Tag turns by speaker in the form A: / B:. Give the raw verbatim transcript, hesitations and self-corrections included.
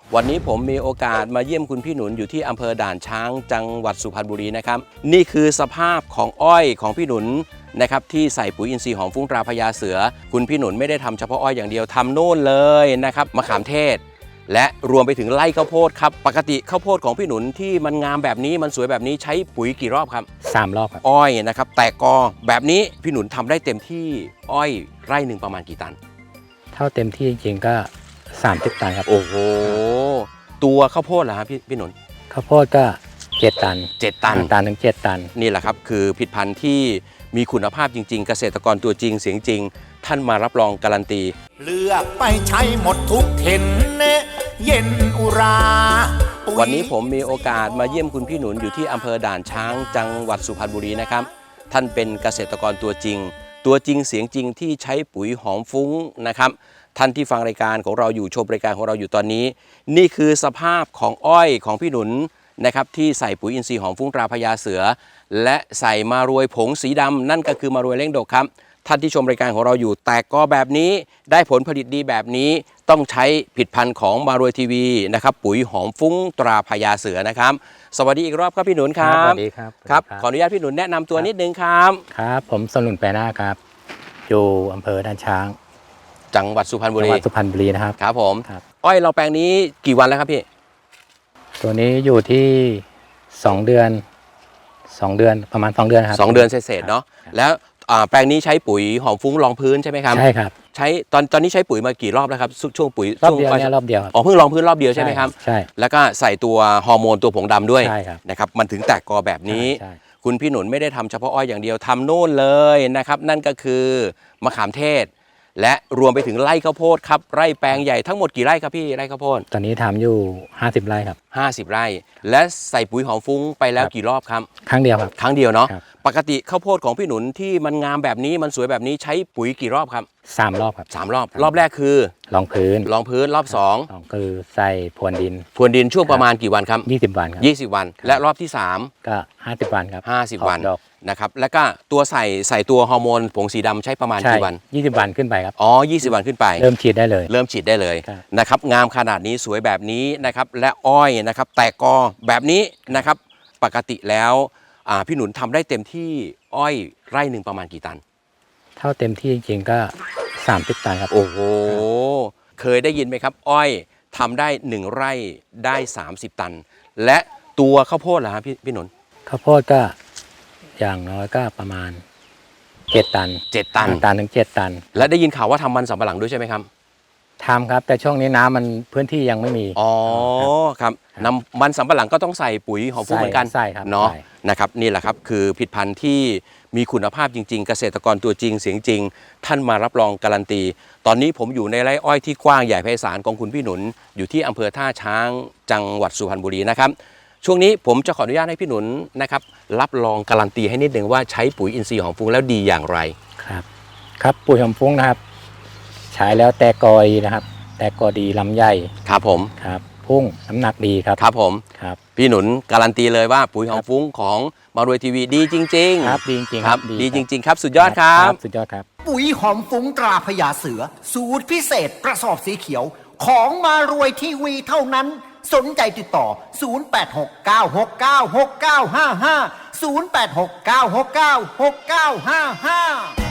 A: วันนี้ผมมีโอกาสมาเยี่ยมคุณพี่หนุนอยู่ที่อำเภอด่านช้างจังหวัดสุพรรณบุรีนะครับนี่คือสภาพของอ้อยของพี่หนุนนะครับที่ใส่ปุ๋ยอินทรีย์หอมฟุ้งตราพญาเสือคุณพี่หนุนไม่ได้ทำเฉพาะอ้อยอย่างเดียวทำโน่นเลยนะครับมะขามเทศและรวมไปถึงไร่ข้าวโพดครับปกติข้าวโพดของพี่หนุนที่มันงามแบบนี้มันสวยแบบนี้ใช้ปุ๋ยกี่รอบครับ
B: สามรอบครับ
A: อ้อยนะครับแตกกอแบบนี้พี่หนุนทำได้เต็มที่อ้อยไร่หนึ่งประมาณกี่ตัน
B: เท่าเต็มที่จริงๆก็สามสิบตันครับ
A: โอ้โหตัวข้าวโพดเหรอครับพี่พี่หนุน
B: ข้าวโพดก็เจ็ดตัน
A: เจ็ดตัน
B: ตันถึงเจ็ดตัน
A: นี่แหละครับคือผลิตภัณฑ์ที่มีคุณภาพจริงๆเกษตรกรตัวจริงเสียงจริงท่านมารับรองการันตี
C: เลือกไปใช้หมดทุกเห็นเย็นอุรา
A: วันนี้ผมมีโอกาสมาเยี่ยมคุณพี่หนุนอยู่ที่อำเภอด่านช้างจังหวัดสุพรรณบุรีนะครับท่านเป็นเกษตรกรตัวจริงตัวจริงเสียงจริงที่ใช้ปุ๋ยหอมฟุ้งนะครับท่านที่ฟังรายการของเราอยู่ชมรายการของเราอยู่ตอนนี้นี่คือสภาพของอ้อยของพี่หนุนนะครับที่ใส่ปุ๋ยอินทรีย์หอมฟุ้งตราพญาเสือและใส่มารวยผงสีดำนั่นก็คือมารวยเร่งดกครับท่านที่ชมรายการของเราอยู่แตกกอแบบนี้ได้ผลผลิตดีแบบนี้ต้องใช้ผลิตภัณฑ์ของมารวยทีวีนะครับปุ๋ยหอมฟุ้งตราพญาเสือนะครับสวัสดีอีกรอบครับพี่หนุนครับ
B: สวัสดีครับ
A: ครับขออนุญาตพี่หนุนแนะนำตัวนิดนึงครับ
B: ครับผมสนุนแปรหน้าครับอยู่อำเภอด่านช้าง
A: จังหวัดสุพรรณบุรี
B: จังหวัดสุพรรณบุรีนะครับ
A: ครับผมอ้อยเราแปลงนี้กี่วันแล้วครับพี่
B: ตัวนี้อยู่ที่สองเดือนสองเดือนประมาณสองเดือนครับ
A: สองเดือนเศษๆเนาะแล้วแปลงนี้ใช้ปุ๋ยหอมฟุ้งรองพื้นใช่ไหมครับ
B: ใช่ครับ
A: ใช้ตอนตอนนี้ใช้ปุ๋ยมากี่รอบแล้วครับช่วงปุ๋ย
B: รอบเดียวเนี่ยรอบเดียว
A: อ๋อเพิ่งรองพื้นรอบเดียวใช่ไหมครับ
B: ใช่
A: แล้วก็ใส่ตัวฮอร์โมนตัวผงดำด้วย
B: ใช่ครับ
A: นะครับมันถึงแตกกอแบบนี้คุณพี่หนุนไม่ได้ทำเฉพาะอ้อยอย่างเดียวทำโน่นเลยนะครับนั่นก็คือมะขามเทศและรวมไปถึงไร่ข้าวโพดครับไร่แปลงใหญ่ทั้งหมดกี่ไร่ครับพี่ไร่ข้าวโพด
B: ตอนนี้ทำอยู่ห้าสิบไร่ครับ
A: ห้าสิบไร่และใส่ปุ๋ยหอมฟุ้งไปแล้วกี่รอบครับ
B: ครั้งเดียวครับ
A: ครั้งเดียวเนาะปกติข้าวโพดของพี่หนุนที่มันงามแบบนี้มันสวยแบบนี้ใช้ปุ๋ยกี่รอบครับ
B: สามรอบครับ
A: สามรอบรอบแรกคือ
B: รองพื้น
A: รองพื้นรอบสอง
B: คือใส่พรวนดิน
A: พรวนดินช่วงประมาณกี่วันครับ
B: ยี่สิบวันครับ
A: ยี่สิบวันและรอบที่สาม
B: ก็ห้าสิบวันครับ
A: ห้าสิบวันนะครับแล้วก็ตัวใส่ใส่ตัวฮอร์โมนผงสีดำใช้ประมาณกี่วัน
B: ยี่สิบวันขึ้นไปครับ
A: อ๋อยี่สิบวันขึ้นไป
B: เริ่มฉีดได้เลย
A: เริ่มฉีดได้เลยนะครับงามขนาดนี้สวยแบบนี้นะครับและอ้อยนะครับแตกกอแบบนี้นะครับปกติแล้วพี่หนุนทำได้เต็มที่อ้อยไร่หนึ่งประมาณกี่ตัน
B: เท่าเต็มที่จริงๆก็สามสิบตันครับ
A: โอ้โหเคยได้ยินไหมครับอ้อยทำได้หนึ่งไร่ได้สามสิบตันและตัวข้าวโพดล่ะครับพี่พี่หนุน
B: ข้าวโพดก็อย่างน้อยก็ประมาณเจ็ดตัน
A: เจ็ดตัน
B: ตันถึงเจ็ดตัน
A: และได้ยินข่าวว่าทำมันสำปะหลังด้วยใช่ไหมครับ
B: ทำครับแต่ช่วงนี้น้ำมันพื้นที่ยังไม่มี
A: อ๋อครับนำมันสำปะหลังก็ต้องใส่ปุ๋ยหอมฟุ้งเหมือนกัน
B: ใช่ครับ
A: เนาะนะครับนี่แหละครับคือผลิตภัณฑ์ที่มีคุณภาพจริงๆเกษตรกรตัวจริงเสียงจริงท่านมารับรองการันตีตอนนี้ผมอยู่ในไร่อ้อยที่กว้างใหญ่ไพศาลของคุณพี่หนุนอยู่ที่อำเภอท่าช้างจังหวัดสุพรรณบุรีนะครับช่วงนี้ผมจะขออนุญาตให้พี่หนุนนะครับรับรองการันตีให้นิดหนึ่งว่าใช้ปุ๋ยอินทรีย์หอมฟุ้งแล้วดีอย่างไร
B: ครับครับปุ๋ยหอมฟุ้งนะครับใช้แล้วแตกกอดีนะครับแตกกอดีลำใหญ่
A: ครับผม
B: ครับพุ่งน้ำหนักดีครับ
A: ครับผม
B: ครับ
A: พี่หนุนการันตีเลยว่าปุ๋ยหอมฟุ้งของมารวยทีวีดีจริงๆ
B: ครับดีจริง
A: ครับดีจริงๆครับสุดยอดครับ
B: สุดยอดครับ
C: ปุ๋ยหอมฟุ้งตราพญาเสือสูตรพิเศษกระสอบสีเขียวของมารวยทีวีเท่านั้นสนใจติดต่อศูนย์ แปด หก เก้า หก เก้า หก เก้า ห้า ห้า ศูนย์ แปด หก เก้า หก เก้า หก เก้า ห้า ห้า